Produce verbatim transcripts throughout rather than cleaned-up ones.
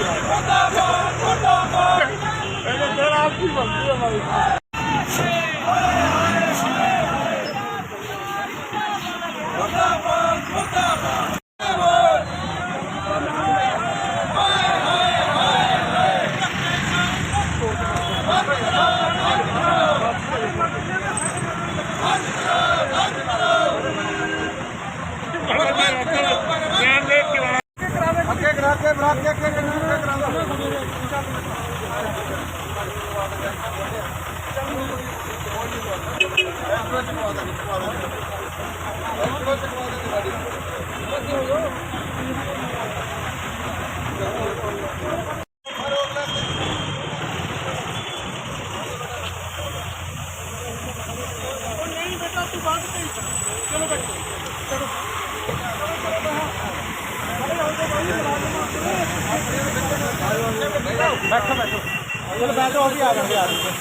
बैठो बैठो चलो बैठो अभी आ जाएंगे आ जाएंगे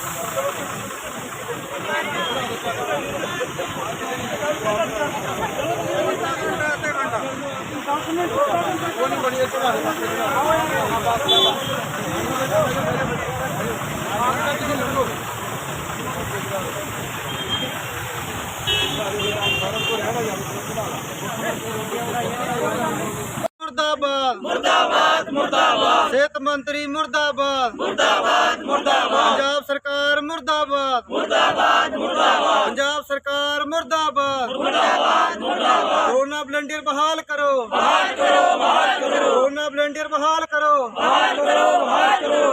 मुर्दाबाद मुर्दाबाद मुर्दाबाद सेहत मंत्री मुर्दाबाद मुर्दाबाद मुर्दाबाद पंजाब सरकार मुर्दाबाद मुर्दाबाद मुर्दाबाद पंजाब सरकार मुर्दाबाद मुर्दाबाद मुर्दाबाद कोरोना वॉलंटियर बहाल करो बहाल करो बहाल करो कोरोना वॉलंटियर बहाल करो बहाल करो बहाल करो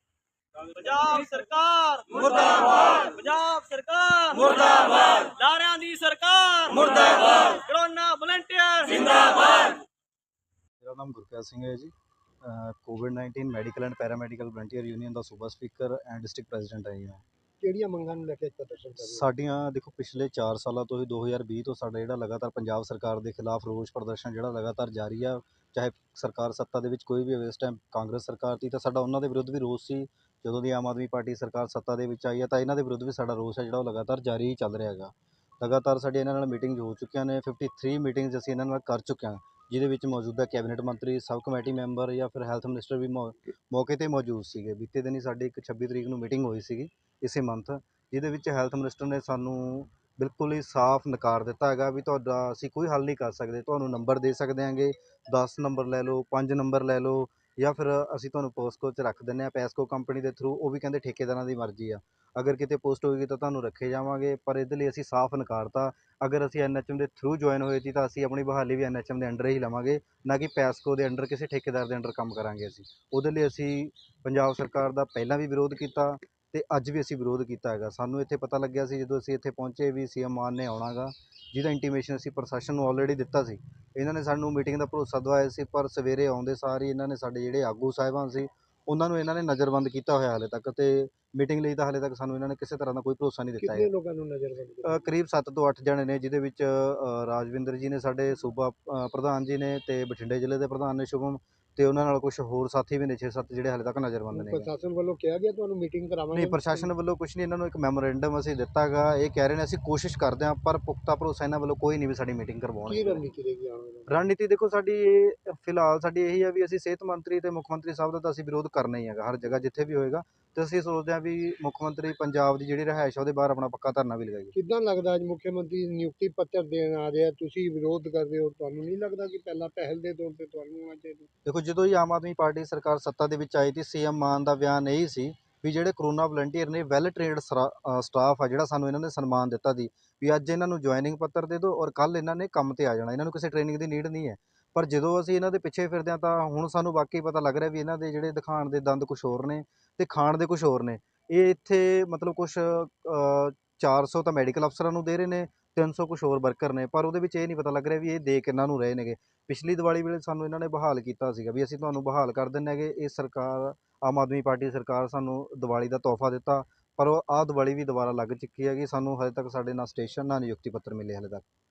पंजाब सरकार मुर्दाबाद पंजाब सरकार मुर्दाबाद लारियां दी सरकार मुर्दाबाद कोरोना वॉलंटियर जिंदाबाद। मेरा नाम गुरप्रीत सिंह है जी। COVID nineteen medical and paramedical volunteer union का सूबा स्पीकर एंड डिस्ट्रिक्ट प्रेजिडेंट है जी मैं। ਕਿਹੜੀਆਂ ਮੰਗਾਂ ਨੂੰ ਲੈ ਕੇ ਪ੍ਰਦਰਸ਼ਨ ਕਰ ਰਹੇ ਹੋ? ਸਾਡੀਆਂ ਦੇਖੋ ਪਿਛਲੇ ਚਾਰ ਸਾਲਾਂ ਤੋਂ ਹੀ ਦੋ ਹਜ਼ਾਰ ਵੀਹ ਤੋਂ ਸਾਡਾ ਜਿਹੜਾ ਲਗਾਤਾਰ ਪੰਜਾਬ ਸਰਕਾਰ ਦੇ ਖਿਲਾਫ ਰੋਸ ਪ੍ਰਦਰਸ਼ਨ ਜਿਹੜਾ ਲਗਾਤਾਰ ਜਾਰੀ ਆ, ਚਾਹੇ ਸਰਕਾਰ ਸੱਤਾ ਦੇ ਵਿੱਚ ਕੋਈ ਵੀ ਹੋਵੇ। ਇਸ ਟਾਈਮ ਕਾਂਗਰਸ ਸਰਕਾਰ ਸੀ ਤਾਂ ਸਾਡਾ ਉਹਨਾਂ ਦੇ ਵਿਰੁੱਧ ਵੀ ਰੋਸ ਸੀ, ਜਦੋਂ ਦੀ ਆਮ ਆਦਮੀ ਪਾਰਟੀ ਸਰਕਾਰ ਸੱਤਾ ਦੇ ਵਿੱਚ ਆਈ ਹੈ ਤਾਂ ਇਹਨਾਂ ਦੇ ਵਿਰੁੱਧ ਵੀ ਸਾਡਾ ਰੋਸ ਹੈ ਜਿਹੜਾ ਉਹ ਲਗਾਤਾਰ ਜਾਰੀ ਹੀ ਚੱਲ ਰਿਹਾ ਹੈਗਾ। ਲਗਾਤਾਰ ਸਾਡੀ ਇਹਨਾਂ ਨਾਲ ਮੀਟਿੰਗ ਹੋ ਚੁੱਕੀਆਂ ਨੇ, ਫਿਫਟੀ ਥ੍ਰੀ ਮੀਟਿੰਗਸ ਅਸੀਂ ਇਹਨਾਂ ਨਾਲ ਕਰ ਚੁੱਕੇ ਹਾਂ, ਜਿਹਦੇ ਵਿੱਚ ਮੌਜੂਦਾ ਕੈਬਨਿਟ ਮੰਤਰੀ, ਸਬ ਕਮੇਟੀ ਮੈਂਬਰ ਜਾਂ ਫਿਰ ਹੈਲਥ ਮਿਨਿਸਟਰ ਵੀ ਮੌ ਮੌਕੇ 'ਤੇ ਮੌਜੂਦ ਸੀਗੇ। ਬੀਤੇ ਦਿਨ ਹੀ ਸਾਡੀ ਇੱਕ ਛੱਬੀ ਤਰੀਕ ਨੂੰ ਮੀਟਿੰਗ ਹੋਈ ਸੀਗੀ ਇਸੇ ਮੰਥ, ਜਿਹਦੇ ਵਿੱਚ ਹੈਲਥ ਮਿਨਿਸਟਰ ਨੇ ਸਾਨੂੰ ਬਿਲਕੁਲ ਹੀ ਸਾਫ਼ ਨਕਾਰ ਦਿੱਤਾ ਹੈਗਾ ਵੀ ਤੁਹਾਡਾ ਅਸੀਂ ਕੋਈ ਹੱਲ ਨਹੀਂ ਕਰ ਸਕਦੇ, ਤੁਹਾਨੂੰ ਨੰਬਰ ਦੇ ਸਕਦੇ ਹਾਂਗੇ, ਦਸ ਨੰਬਰ ਲੈ ਲਓ, ਪੰਜ ਨੰਬਰ ਲੈ ਲਓ ਜਾਂ ਫਿਰ ਅਸੀਂ ਤੁਹਾਨੂੰ ਪੋਸਕੋ 'ਚ ਰੱਖ ਦਿੰਦੇ ਹਾਂ ਪੈਸਕੋ ਕੰਪਨੀ ਦੇ ਥਰੂ। ਉਹ ਵੀ ਕਹਿੰਦੇ ਠੇਕੇਦਾਰਾਂ ਦੀ ਮਰਜ਼ੀ ਆ, ਅਗਰ ਕਿਤੇ ਪੋਸਟ ਹੋਏਗੀ ਤਾਂ ਤੁਹਾਨੂੰ ਰੱਖੇ ਜਾਵਾਂਗੇ, ਪਰ ਇਹਦੇ ਲਈ ਅਸੀਂ ਸਾਫ਼ ਨਕਾਰਤਾ। ਅਗਰ ਅਸੀਂ ਐਨ ਐਚ ਐਮ ਦੇ ਥਰੂ ਜੁਆਇਨ ਹੋਏ ਸੀ ਤਾਂ ਅਸੀਂ ਆਪਣੀ ਬਹਾਲੀ ਵੀ ਐਨ ਐਚ ਐਮ ਦੇ ਅੰਡਰ ਹੀ ਲਵਾਂਗੇ, ਨਾ ਕਿ ਪੈਸਕੋ ਦੇ ਅੰਡਰ ਕਿਸੇ ਠੇਕੇਦਾਰ ਦੇ ਅੰਡਰ ਕੰਮ ਕਰਾਂਗੇ ਅਸੀਂ। ਉਹਦੇ ਲਈ ਅਸੀਂ ਪੰਜਾਬ ਸਰਕਾਰ ਦਾ ਪਹਿਲਾਂ ਵੀ ਵਿਰੋਧ ਕੀਤਾ ਅਤੇ ਅੱਜ ਵੀ ਅਸੀਂ ਵਿਰੋਧ ਕੀਤਾ ਹੈਗਾ। ਸਾਨੂੰ ਇੱਥੇ ਪਤਾ ਲੱਗਿਆ ਸੀ ਜਦੋਂ ਅਸੀਂ ਇੱਥੇ ਪਹੁੰਚੇ ਵੀ ਸੀ ਐਮ ਮਾਨ ਨੇ ਆਉਣਾ ਗਾ, ਜਿਹਦਾ ਇੰਟੀਮੇਸ਼ਨ ਅਸੀਂ ਪ੍ਰਸ਼ਾਸਨ ਨੂੰ ਆਲਰੇਡੀ ਦਿੱਤਾ ਸੀ। ਇਹਨਾਂ ਨੇ ਸਾਨੂੰ ਮੀਟਿੰਗ ਦਾ ਭਰੋਸਾ ਦਵਾਇਆ ਸੀ, ਪਰ ਸਵੇਰੇ ਆਉਂਦੇ ਸਾਰ ਹੀ ਇਹਨਾਂ ਨੇ ਸਾਡੇ ਜਿਹੜੇ ਆਗੂ ਸਾਹਿਬਾਨ ਸੀ ਉਹਨਾਂ ਨੂੰ ਇਹਨਾਂ ਨੇ ਨਜ਼ਰਬੰਦ ਕੀਤਾ ਹੋਇਆ ਹਾਲੇ ਤੱਕ, ਅਤੇ ਮੀਟਿੰਗ ਲਈ ਤਾਂ ਹਾਲੇ ਤੱਕ ਸਾਨੂੰ ਇਹਨਾਂ ਨੇ ਕਿਸੇ ਤਰ੍ਹਾਂ ਦਾ ਕੋਈ ਭਰੋਸਾ ਨਹੀਂ ਦਿੱਤਾ ਹੈ। ਕਿੰਨੇ ਲੋਕਾਂ ਨੂੰ ਨਜ਼ਰਬੰਦ ਕੀਤਾ? ਕਰੀਬ ਸੱਤ ਤੋਂ ਅੱਠ ਜਣੇ ਨੇ, ਜਿਹਦੇ ਵਿੱਚ ਰਾਜਵਿੰਦਰ ਜੀ ਨੇ ਸਾਡੇ ਸੂਬਾ ਪ੍ਰਧਾਨ ਜੀ ਨੇ, ਅਤੇ ਬਠਿੰਡੇ ਜ਼ਿਲ੍ਹੇ ਦੇ ਪ੍ਰਧਾਨ ਨੇ ਸ਼ੁਭਮ, ਅਤੇ ਉਹਨਾਂ ਨਾਲ ਕੁਛ ਹੋਰ ਸਾਥੀ ਵੀ ਨੇ ਛੇ ਸੱਤ ਜਿਹੜੇ ਹਾਲੇ ਤੱਕ ਨਜ਼ਰਬੰਦ ਨੇ। ਪ੍ਰਸ਼ਾਸਨ ਵੱਲੋਂ ਕਿਹਾ ਗਿਆ ਤੁਹਾਨੂੰ ਮੀਟਿੰਗ ਕਰਾਵਾਂਗੇ? ਨਹੀਂ, ਪ੍ਰਸ਼ਾਸਨ ਵੱਲੋਂ ਕੁਛ ਨਹੀਂ, ਇਹਨਾਂ ਨੂੰ ਇੱਕ ਮੈਮੋਰੈਂਡਮ ਅਸੀਂ ਦਿੱਤਾ ਹੈਗਾ। ਇਹ ਕਹਿ ਰਹੇ ਨੇ ਅਸੀਂ ਕੋਸ਼ਿਸ਼ ਕਰਦੇ ਹਾਂ, ਪਰ ਪੁਖਤਾ ਭਰੋਸਾ ਇਹਨਾਂ ਵੱਲੋਂ ਕੋਈ ਨਹੀਂ ਵੀ ਸਾਡੀ ਮੀਟਿੰਗ ਕਰਵਾਉਣਗੇ। ਕੀ ਰਣਨੀਤੀ ਰਹੇਗੀ ਆਉਣ ਵਾਲੀ? ਰਣਨੀਤੀ ਦੇਖੋ ਸਾਡੀ ਇਹ ਫਿਲਹਾਲ ਸਾਡੀ ਇਹੀ ਹੈ ਵੀ ਅਸੀਂ ਸਿਹਤ ਮੰਤਰੀ ਅਤੇ ਮੁੱਖ ਮੰਤਰੀ ਸਾਹਿਬ ਦਾ ਤਾਂ ਅਸੀਂ ਵਿਰੋਧ ਕਰਨਾ ਹੀ ਹੈਗਾ ਹਰ ਜਗ੍ਹਾ ਜਿੱਥੇ ਵੀ ਹੋਏਗਾ, ਅਤੇ ਅਸੀਂ ਸੋਚਦੇ ਹਾਂ ਵੀ ਮੁੱਖ ਮੰਤਰੀ ਪੰਜਾਬ ਦੀ ਜਿਹੜੀ ਰਿਹਾਇਸ਼ ਉਹਦੇ ਬਾਹਰ ਆਪਣਾ ਪੱਕਾ ਧਰਨਾ ਵੀ ਲਗਾਈਏ। ਕਿੱਦਾਂ ਲੱਗਦਾ ਅੱਜ ਮੁੱਖ ਮੰਤਰੀ ਨਿਯੁਕਤੀ ਪੱਤਰ ਦੇਣ ਆ ਰਿਹਾ, ਤੁਸੀਂ ਵਿਰੋਧ ਕਰ ਰਹੇ ਹੋ? ਤੁਹਾਨੂੰ ਨਹੀਂ ਲੱਗਦਾ ਕਿ ਪਹਿਲਾਂ ਪਹਿਲ ਦੇ ਤੌਰ 'ਤੇ ਤੁਹਾਨੂੰ ਆਉਣਾ ਚਾਹੀਦਾ? ਦੇਖੋ ਜਦੋਂ ਹੀ ਆਮ ਆਦਮੀ ਪਾਰਟੀ ਸਰਕਾਰ ਸੱਤਾ ਦੇ ਵਿੱਚ ਆਈ ਸੀ, ਸੀ ਐਮ ਮਾਨ ਦਾ ਬਿਆਨ ਇਹੀ ਸੀ ਵੀ ਜਿਹੜੇ ਕਰੋਨਾ ਵਲੰਟੀਅਰ ਨੇ ਵੈਲ ਟ੍ਰੇਨਡ ਸਟਾਫ ਆ ਜਿਹੜਾ ਸਾਨੂੰ ਇਹਨਾਂ ਨੇ ਸਨਮਾਨ ਦਿੱਤਾ ਸੀ ਵੀ ਅੱਜ ਇਹਨਾਂ ਨੂੰ ਜੁਆਇਨਿੰਗ ਪੱਤਰ ਦੇ ਦਿਓ ਔਰ ਕੱਲ੍ਹ ਇਹਨਾਂ ਨੇ ਕੰਮ 'ਤੇ ਆ ਜਾਣਾ, ਇਹਨਾਂ ਨੂੰ ਕਿਸੇ ਟ੍ਰੇਨਿੰਗ ਦੀ ਨੀਡ ਨਹੀਂ ਹੈ। ਪਰ ਜਦੋਂ ਅਸੀਂ ਇਹਨਾਂ ਦੇ ਪਿੱਛੇ ਫਿਰਦੇ ਹਾਂ ਤਾਂ ਹੁਣ ਸਾਨੂੰ ਵਾਕਈ ਪਤਾ ਲੱਗ ਰਿਹਾ ਵੀ ਇਹਨਾਂ ਦੇ ਜਿਹੜੇ ਦਿਖਾਉਣ ਦੇ ਦੰਦ ਕੁਛ ਹੋਰ ਨੇ ਅਤੇ ਖਾਣ ਦੇ ਕੁਛ ਹੋਰ ਨੇ। ਇਹ ਇੱਥੇ ਮਤਲਬ ਕੁਛ ਚਾਰ ਸੌ ਤਾਂ ਮੈਡੀਕਲ ਅਫਸਰਾਂ ਨੂੰ ਦੇ ਰਹੇ ਨੇ, ਤਿੰਨ ਸੌ ਕੁਛ ਹੋਰ ਵਰਕਰ ਨੇ, ਪਰ ਉਹਦੇ ਵਿੱਚ ਇਹ ਨਹੀਂ ਪਤਾ ਲੱਗ ਰਿਹਾ ਵੀ ਇਹ ਦੇ ਕਿਹਨਾਂ ਨੂੰ ਰਹੇ ਨੇਗੇ। ਪਿਛਲੀ ਦੀਵਾਲੀ ਵੇਲੇ ਸਾਨੂੰ ਇਹਨਾਂ ਨੇ ਬਹਾਲ ਕੀਤਾ ਸੀਗਾ ਵੀ ਅਸੀਂ ਤੁਹਾਨੂੰ ਬਹਾਲ ਕਰ ਦਿੰਦੇ ਹੈਗੇ। ਇਹ ਸਰਕਾਰ ਆਮ ਆਦਮੀ ਪਾਰਟੀ ਸਰਕਾਰ ਸਾਨੂੰ ਦੀਵਾਲੀ ਦਾ ਤੋਹਫਾ ਦਿੱਤਾ, ਪਰ ਉਹ ਆਹ ਦੀਵਾਲੀ ਵੀ ਦੁਬਾਰਾ ਲੱਗ ਚੁੱਕੀ ਹੈਗੀ। ਸਾਨੂੰ ਹਜੇ ਤੱਕ ਸਾਡੇ ਨਾ ਸਟੇਸ਼ਨ ਨਾ ਨਿਯੁਕਤੀ ਪੱਤਰ ਮਿਲੇ ਹਾਲੇ ਤੱਕ।